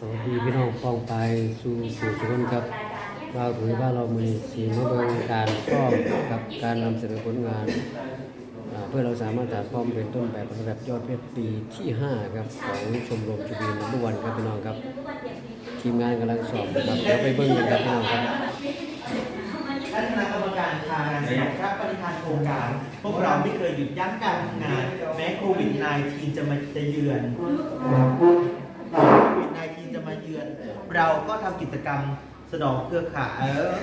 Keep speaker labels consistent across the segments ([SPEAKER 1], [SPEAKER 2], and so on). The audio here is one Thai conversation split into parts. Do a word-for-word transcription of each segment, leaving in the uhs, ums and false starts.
[SPEAKER 1] สวัสดีพี่น้องป้องไปสู่สู่สุขนครับเราถือว่าเรามีสีมาเบิงการซ่อมกับการนำเสนอผลงานเพื่อเราสามารถถ่ายพร้อมเป็นต้นแบบระดับยอดเพชรปีที่ห้าครับของชมรมจุบีนัมวันครับพี่น้องครับทีมงานกำลังสอบครับเดี๋ยวไปเบิ้งกันครับพี่น้องครับ
[SPEAKER 2] และคณะกรรมการทางการสำหรับพระปฏิทานโครงการพวกเราไม่เคยหยุดยั้งการทำงานแม้โควิด สิบเก้า จะมาจะเยือนโควิด สิบเก้า จะมาเยือนเราก็ทำกิจกรรมสนองเครือข่ายเออ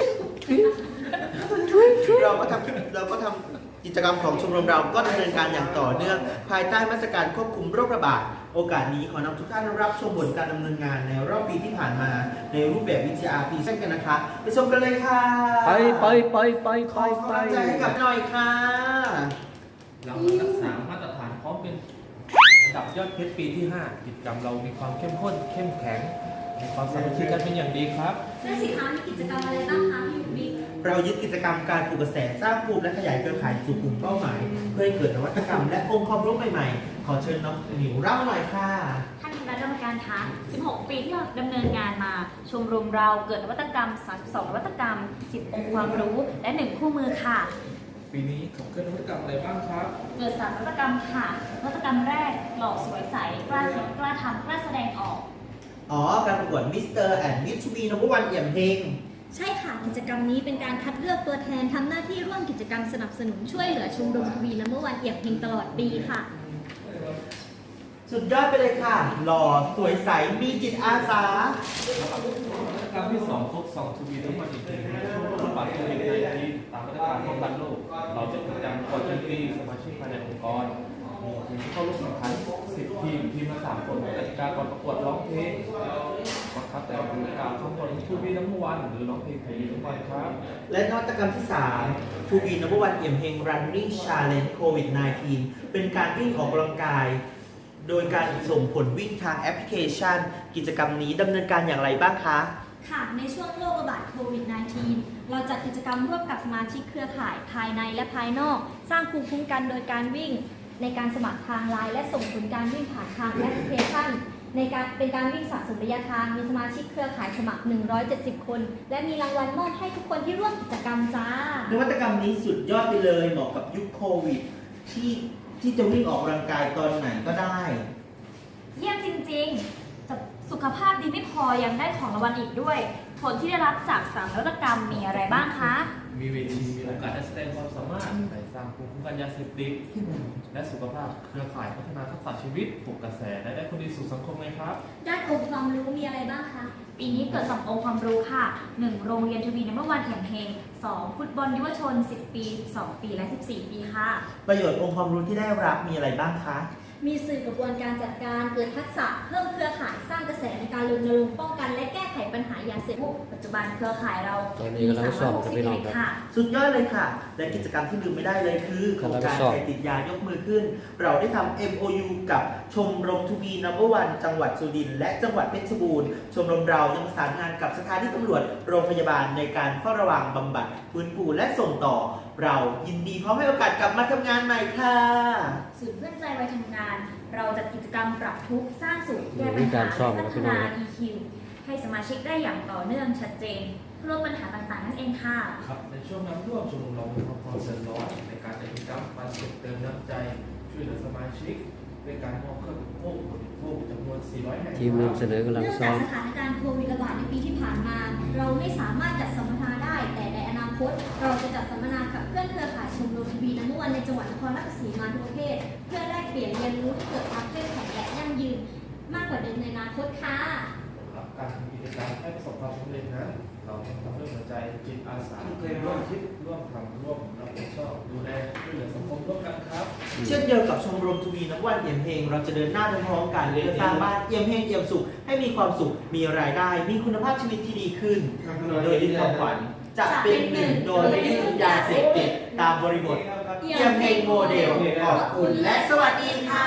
[SPEAKER 2] เราก็ทำเราก็ทำกิจกรรมของชมรมเราก็ดำเนินการอย่างต่อเนื่องภายใต้มาตรการควบคุมโรคระบาดโอกาสนี้ขอนำทุกท่านรับชมผลการดำเนินงานในรอบปีที่ผ่านมาในรูปแบบวิทยาพีเส้นกันนะคะไปชมกันเลยค่ะ
[SPEAKER 1] ไปไปไปไปไปไป
[SPEAKER 2] ขอกำลังใจให้กับหน่อยค่ะ
[SPEAKER 3] เรามารักษามาตรฐานพร้อมเป็นระดับยอดเพชรปีที่ห้ากิจกรรมเรามีความเข้มข้นเข้มแข็งมีความสามัคคีกันเป็นอย่างดีครับ
[SPEAKER 4] และสิคะมีกิจกรรมอะไรบ้างคะพี่หนูบิ๊ก
[SPEAKER 2] เรายึดกิจกรรมการปลูกกระแสสร้างภูมิและขยายเครือข่ายสู่กลุ่มเป้าหมายเพื่อให้เกิดนวัตกรรมและองค์ความรู้ใหม่ๆขอเชิญน้องหนิวเล่าหน่อยค่ะ
[SPEAKER 4] ท่านคณะกรรมการคะสิบหก ปีที่เราดำเนินงานมาชมรมเราเกิดนวัตกรรมสามสิบสองนวัตกรรมสิบองค์ความรู้และหนึ่งคู่มือค่ะ
[SPEAKER 3] ปีนี้ขับเคลื่อนนวัตกรรมอะไรบ้างครับ
[SPEAKER 4] เกิดสามนวัตกรรมค่ะนวัตกรรมแรกหล่อสวยใสกล้าคิดกล้าทำกล้าแสดงออก
[SPEAKER 2] อ๋อการประกวดมิสเตอร์แอนด์มิสทูบีนัมเบอร์วันเอี่ยมเฮง
[SPEAKER 4] ใช่ค่ะกิจกรรมนี้เป็นการคัดเลือกตัวแทนทำหน้าที่ร่วมกิจกรรมสนับสนุนช่วยเหลือชมรมทวีนัมเบอร์วันเอี่ยมเฮงตลอดปีค่ะ
[SPEAKER 2] สุดยอดไปเลยค่ะหล่อสวยใสมีจิตอาสาน
[SPEAKER 3] วัตกรรมที่สองครบสองทูบีทั้งหมดอีกทีในช่วงระบาดโควิด สิบเก้า ตามมาตรการป้องกันโรคเราจะจัดการกดดนตรีสมาชิกภายในองค์กรมีทีมเข้าร่วมแข่งขันสิบทีมทีมละสามคนกติกาก่อนประกวดร้องเพลงบังคับแต่ละกล่าวทั้งหมดทูบีทั้งวันหรือร้องเพลงไทยทั้งวันครับ
[SPEAKER 2] และนวัตกรรมที่สามทูบีนัมเบอร์วันเอี่ยมเฮง Running Challenge โควิด สิบเก้า เป็นการวิ่งออกกำลังกายโดยการส่งผลวิ่งทางแอปพลิเคชันกิจกรรมนี้ดำเนินการอย่างไรบ้างคะ
[SPEAKER 4] ค่ะในช่วงโรคระบาดโควิด สิบเก้า เราจัดกิจกรรมร่วมกับสมาชิกเครือข่ายภายในและภายนอกสร้างภูมิคุ้มกันโดยการวิ่งในการสมัครทางไลน์และส่งผลการวิ่งผ่านทางแอปพลิเคชันในการเป็นการวิ่งสะสมระยะทางมีสมาชิกเครือข่ายสมัครหนึ่งร้อยเจ็ดสิบคนและมีรางวัลมอบให้ทุกคนที่ร่วมกิจกรรมจ้าน
[SPEAKER 2] วัตกรรมนี้สุดยอดไปเลยเหมาะกับยุคโควิดที่ที่จะวิ่งออกกำลังกายตอนไหนก็ได้
[SPEAKER 4] เยี่ยมจริงๆสุขภาพดีไม่พอยังได้ของรางวัลอีกด้วยผลที่ได้รับจากสามนวัตกรรมมีอะไรบ้างคะ
[SPEAKER 3] มีเวทีมีโอกาสได้แสดงความสามารถในสร้างภูมิคุ้มกันยาเสพติดและสุขภาพเครือข่ายพัฒนาทักษะชีวิตปลุกกระแสและได้คนดีสู่สังคมไหมครับ
[SPEAKER 4] ด้านองค์ความรู้มีอะไรบ้างคะปีนี้เกิดสององค์ความรู้ค่ะหนึ่งโรงเรียนทวีนัมเบอร์วันเอี่ยมเฮงสองฟุตบอลยุวชนสิบปีสิบสองปีและสิบสี่ปีค่ะ
[SPEAKER 2] ประโยชน์องค์ความรู้ที่ได้รับมีอะไรบ้างคะ
[SPEAKER 4] มีสื่อกระบวนการจัดการเกิดทักษะเพิ่มเครือข่ายสร้างกระแสในการรณรงค์ป้องกันและแก้ไขปัญหายาเสพติดปัจจุบันเครือข่ายเรา
[SPEAKER 1] มีสามร้อยหกสิบเอ็ด
[SPEAKER 4] ค่ะ
[SPEAKER 2] สุดยอดเลยค่ะและกิจกรรมที่ลืมไม่ได้เลยคือโครงการใครติดยายกมือขึ้นเราได้ทำ เอ็ม โอ ยู กับชมรมทูบีนัมเบอร์วันจังหวัดสุรินทร์และจังหวัดเพชรบูรณ์ชมรมเรายังประสานงานกับสถานีตำรวจโรงพยาบาลในการเฝ้าระวังบำบัดฟื้นฟูและส่งต่อเรายินดีพร้อมให้โอกาสกลับมาทำงานใหม่ค่ะ
[SPEAKER 4] ศูนย์เพื่อนใจวัยทำงานเราจัดกิจกรรมปรับทุกข์สร้างสุขแก้ปัญหาและพัฒนา อี คิว ให้สมาชิกได้อย่างต่อเนื่องชัดเจนเพื่อลดปัญหาต่างๆนั่นเองค่ะ
[SPEAKER 3] ครับในช่วงน้ำท่วมชมรมเรามีความพร้อมเสริมร้อนในการจัดกิจกรรมมาส่งเติมน้ำใจช่วยเหลือสมาชิกด้วยการมอบเครื่องอุปโภคบริโภคจำนวนสี่ร้อยแห่ง
[SPEAKER 1] ทีมนำเสนอกำลังซ้อม
[SPEAKER 4] เนื่องจากสถานการณ์โควิดระบาดในปีที่ผ่านมาเราไม่สามารถจัดสัมมนาได้แต่ในอนาคตเราจะจัดสัมมนากับเพื่อนเครือข่ายชมรมทวีนัมเบอร์วันในจังหวัดนครราชสีมาทุกประเภทเพื่อแลกเปลี่ยนเรียนรู้ที่เกิดความเข้มแข็งและยั่งยืนมากกว่าเดิมในอนาคตค่ะ
[SPEAKER 3] การทำกิจกรรมให้ประสบความสำเร็จนั้นเราต้องทำด้วยหัวใจจิตอาสาเคยร่วมคิดร่วมทำร่วมรับผิดชอบดูแลช่วยเหลือสังคมร่วมกันครับ
[SPEAKER 2] เช่นเดียวกับชมรมทวีนัมเบอร์วันเอี่ยมเฮงเราจะเดินหน้าไปพร้อมกันเพื่อสร้างบ้านเอี่ยมเฮงเอี่ยมสุขให้มีความสุขมีรายได้มีคุณภาพชีวิตที่ดีขึ้นโดยยึดคำขวัญจะเป็นหนึ่งโดยไม่ยึดยาเสพติดตามบริบทเอี่ยมเฮงโมเดลขอบคุณและสวัสดีค่ะ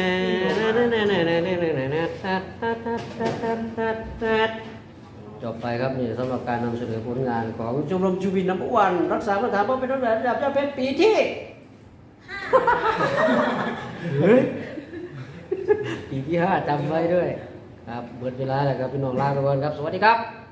[SPEAKER 1] จบไปครับนี่สำหรับการนำเสนอผลงานของชมรมชูบินน้ำวันรักษามาตรฐานป้องเป็นต้นแบบระดับเจ้าเพชรปีที่เฮ้ยปีที่ห้าจำไว้ด้วยครับเบิดเวลาแล้วครับพี่น้องลาไปก่อนครับสวัสดีครับ